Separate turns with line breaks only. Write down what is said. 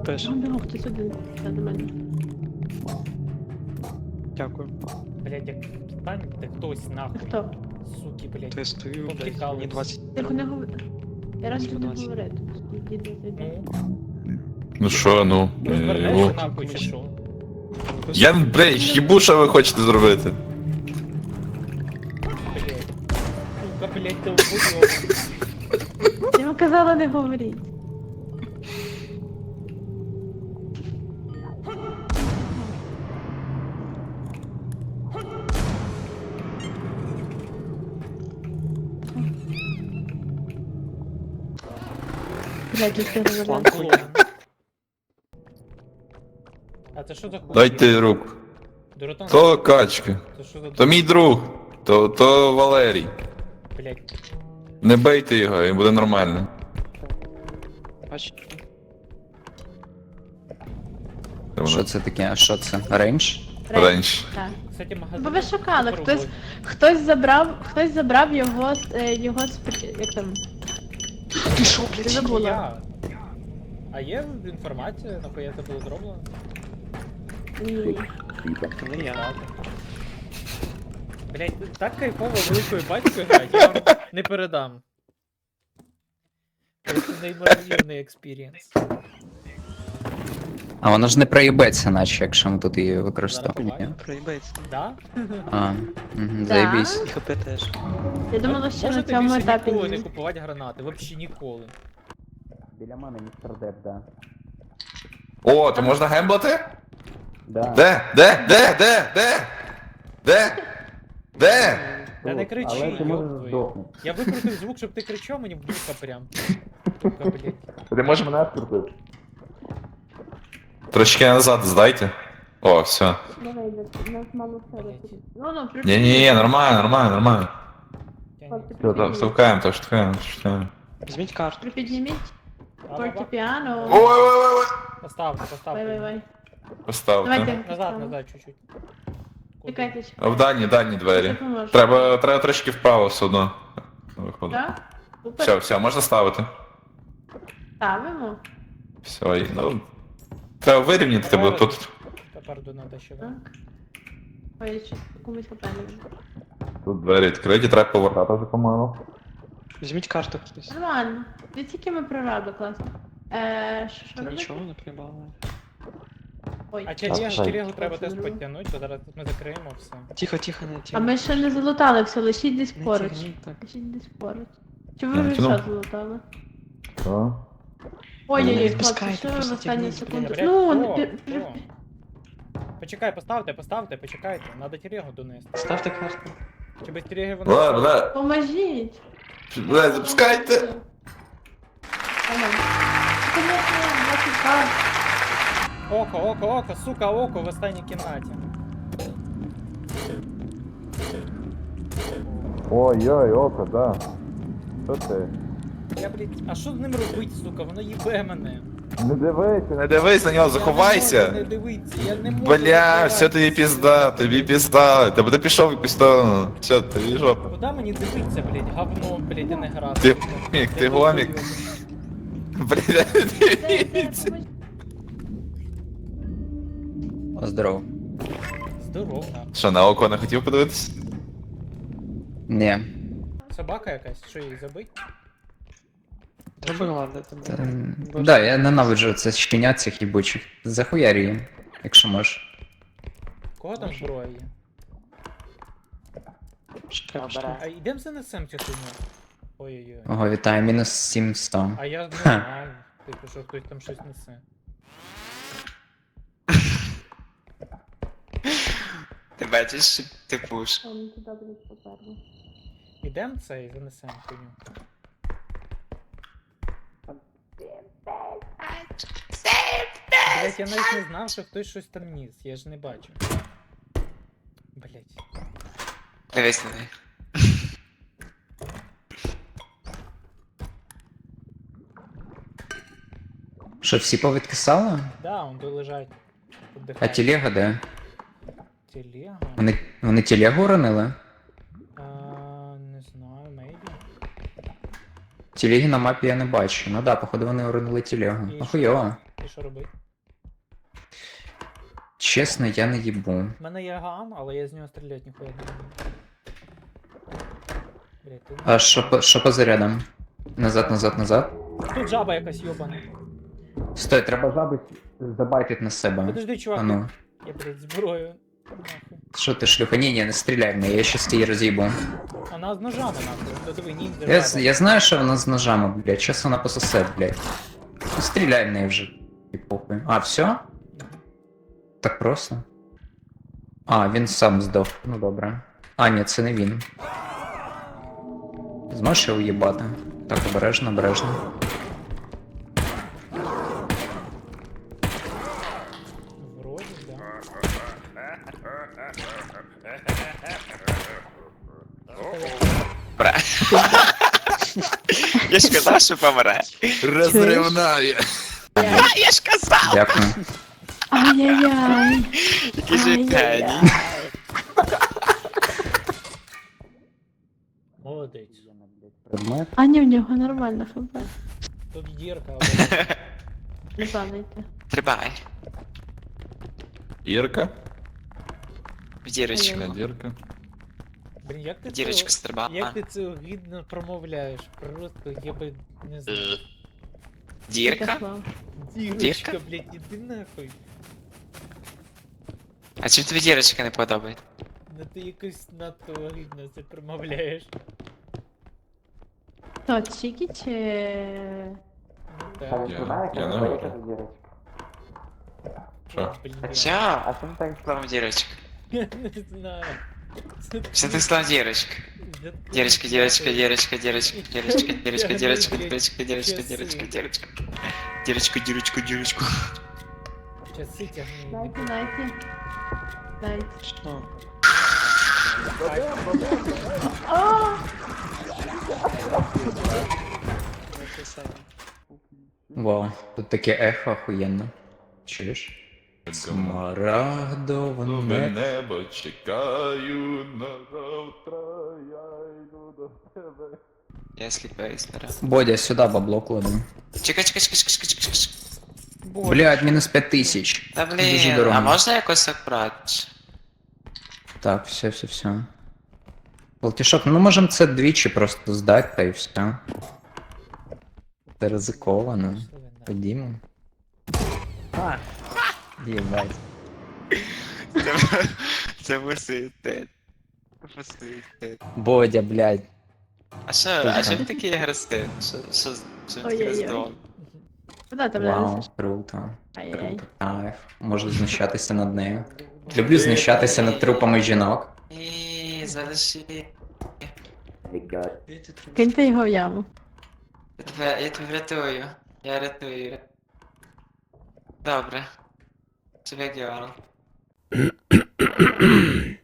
Теж.
Ну, хтось один. Це до мене.
Дякую.
Блять, як станьте хтось нахуй.
Хто?
Суки, блять.
То я стою, блядь,
Повтікали
мені
всі.
20.
Тихо не говори. Я раніше не
120.
говорити. Діду зайде.
Ну,
Ну що, ну.
розвернешся нахуй чи що?
Я, блядь, їбу, що ви хочете зробити.
Блять. Сука, блять, ти убудь.
Я вам казала не говоріть. Блядь, я все говорила.
А це що за хуй?
Дайте руку.
Дуротон,
То качка.
це що за
То мій друг. То Валерій.
блять.
Не бейте його, і буде нормально.
Бач,
Що це таке? А що це? Рейндж?
Раніше.
Так.
Кстати, магазин.
Бо ви шукали,
по роботі.
хтось забрав його, як там?
ти що,
Ти
блядь?
забула.
Я. А є інформація, нахуя це було зроблено?
Ні.
Це не я.
Блять, так кайфово великою батькою грати, я вам не передам. Це неймовірний експірієнс.
А воно ж не проїбеться, наче, якщо ми тут її
Зараз
використовуємо.
побачимо.
Проїбається.
Да?
А, угу,
Да?
заєбісь.
І ХП теж.
Я думала, що на
Можете
цьому
більше
етапі
ніколи не
ні.
купувати гранати, взагалі ніколи.
Біля мене містер Деп, да.
О, то можна гемблати?
Да.
Де? Де?
Та не кричи,
Але ти можеш
ёб твою.
здохнути.
Я викрутив звук, щоб ти кричав мені в вуха прям. Сука, блять.
Ти можеш мене відкрутити? Трошки назад здайте. О, все.
Давай, нас мало все. Ну,
Ні, нормально.
Я
Все, то штовхаємо.
Візьміть карту.
Припідніміть
не-
фортепіано.
Ой.
Поставте, поставте.
Вай.
Поставте.
Давайте.
Назад, чуть-чуть.
Чекайте.
А в дальні двері.
Допоможу.
Треба трошки вправо все одно. Виходить.
Так? Супер.
Все, можна ставити.
Ставимо.
Все, треба вирівняти тебе тут.
Тепер до надо ще.
Так. Ой, я щось комусь попали.
Тут двері відкриті, треба повертати вже помалу.
Візьміть карту хтось.
Нормально. Не тільки ми прораби, класно. Що
Та
робити?
нічого не прибали.
Ой.
А
Так,
телегу треба
Це
теж
зробимо.
підтягнути, бо зараз ми закриємо все.
Тихо, не
А
тягніть.
ми ще не залутали все, лишіть десь
Не
поруч.
тягніть так.
Лишіть десь поруч. Чи ви
Я
вже
тяну.
все залутали?
Що?
Ой-ой-ой,
Не
хлопці,
відпускайте,
що ви в
просто
останню
тягніть,
секунду?
Блядь,
Ну,
о,
пі-
о. Почекай, поставте, почекайте. Надо телегу донести.
Ставте карту.
Чи без телеги воно...
Бля,
Поможіть.
запускайте.
Ага. Конечно, значить, так.
Око, сука, око в останній кімнаті.
Ой, око, да. Що ти?
Я, блядь, а що з ним робить, сука? Воно їбе мене.
Не дивись на нього,
Я не
заховайся.
можу не дивитися, я не можу.
Бля,
заховатися.
все тобі пізда. Тебе пішов якусь то. Все, тобі жопа.
Куда мені дивитися, блядь, говно, блядь, і не грати.
Ти
сука.
гомік,
Я
ти гомік.
долбойоб.
Бля, дивіться.
О, здорово.
Здорово, нахуй.
Що, на око не хотів подивитись?
Ні.
Собака якась, що її забить?
Зробила, де там.
Да, я ненавиджу це щенят цих їбучих. Захуярі їм, якщо можеш.
Кого там зброя є? А йдем занесем цю хуйню. Ой-ой-ой.
Ого, вітаю, мінус 700.
А я не знаю, типу, що хтось там щось несе.
Ти бачиш, ти пуш.
Там туди буде попереду.
Ідем це і занесем хуйню. Блять, я навіть не знав, що хтось щось там ніс, я ж не бачу. Блять.
Дивись на неї.
Що, всі повідкисали?
Да, он тут лежать.
А
Отдихають.
телега де?
Телега?
Вони телегу уронили?
А, не знаю, maybe.
Телеги на мапі я не бачу. Ну да, походу вони уронили телегу.
І
Охуєво.
І що робити?
Чесно, я не їбу.
У мене є ган, але я з нього стріляти ніхуя не буду. Блять, тут...
А що по зарядам? Назад, назад, назад.
Тут жаба якась йобана.
Стой, треба жаби забайтить на себе.
Подожди, чувак,
А ну.
я, блядь, зброю. Нахуй.
Що ти, шлюха? Ні, не стріляй в неї, я щас її роз'їбу.
Вона з ножами нахуй. Додиви, ніндзя жаба.
Я знаю, що вона з ножами, блядь, щас вона пососе, блядь. Ну стріляй в неї вже. І похуй. А, все? Так просто? А, він сам здох. Ну добре. А, ні, це не він. Зможеш його уїбати? Так, обережно, обережно.
Вроді, да.
Бра. Я ж казав, що помре.
Розривная.
Я ж казав!
Дякую.
Ай-яй-яй.
Який же геній.
Ай-яй-яй.
Молодець.
Предмет.
А ні, в нього нормально хп.
Тут дірка,
Не падайте.
Стрибай.
Ірка?
В дірочку.
Дірка.
Блін, як ти
В дірочку
це...
стрибай.
Як ти це гідно промовляєш? Просто я би не знаю.
Дірка?
Ярослав.
Дірочка, блядь, іди нахуй.
А чим тобі дірочка не подобається?
Ну ти якось надто гідно це промовляєш.
То, Чікі чи...
Ну так.
Я не говорю. Що?
Блін,
А чо? А чим так словом дірочка?
я не знаю. Це
Що ти словом дірочка? Дірочка, дірочка, дірочка, дірочка, дірочка, дірочка, дірочка, дірочка, дірочка, дірочка, дірочка. Дірочку, дірочку, дірочку.
Часи тягну.
Дайте, дайте. Дайте.
Що?
О!
Вау, тут таке ехо охуєнно. Чуєш? Смарагдове
Нове
небо.
небо чекаю на завтра, я йду до тебе.
Я сліпаю стара.
Бодя, сюди бабло кладу.
Чекай, чекай, чекай, чекай, чекай, чекай.
Блядь, мінус 5000.
Та
Дуже
блін,
дорого.
а можна якось акуратніше?
Так, все. Полтішок, ну можем це двічі просто здати, та і все. Це ризиковано. Ходімо. Єбать.
Це висити.
Бодя, блядь.
А що ви такі агресивні? Що ви такі
Ой-ой-ой.
роздоволені?
Куда ти
Вау,
влазиш?
круто.
Ай-яй.
Круто. Кайф. Можу знущатися над нею. Люблю знущатися над трупами жінок.
Ні, залиши.
Киньте його в яму.
Я тебе врятую. Я рятую. Добре. Тебе діяло.